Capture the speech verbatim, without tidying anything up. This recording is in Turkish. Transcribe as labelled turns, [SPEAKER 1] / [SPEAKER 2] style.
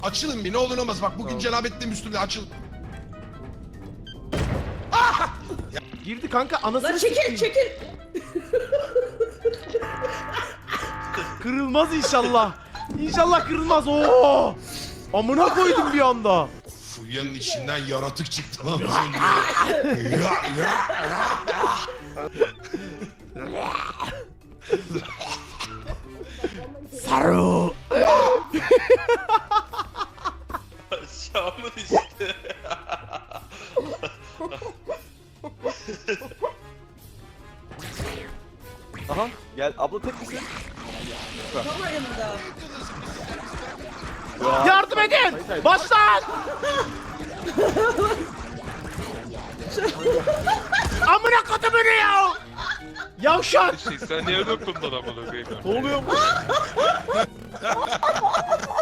[SPEAKER 1] Açılın bir ne olur ne olmaz. Bak bugün cenabetliğim üstümde açıl.
[SPEAKER 2] Girdi kanka anasını
[SPEAKER 3] Lan çekil
[SPEAKER 2] sikeyim.
[SPEAKER 3] çekil.
[SPEAKER 2] Kırılmaz inşallah. İnşallah kırılmaz. Oo! Amına koydum bir anda.
[SPEAKER 1] Fulya'nın içinden yaratık çıktı lan az önce. Ya, ya.
[SPEAKER 2] Saru.
[SPEAKER 4] Aşağımın işte.
[SPEAKER 5] Aha gel abla tek misin?
[SPEAKER 3] Tam yanında.
[SPEAKER 2] Yardım edin. Başlan. Amına kodumun ya. Yavşak.
[SPEAKER 4] Sen niye dokundun amına koyayım?
[SPEAKER 5] Ne oluyor bu?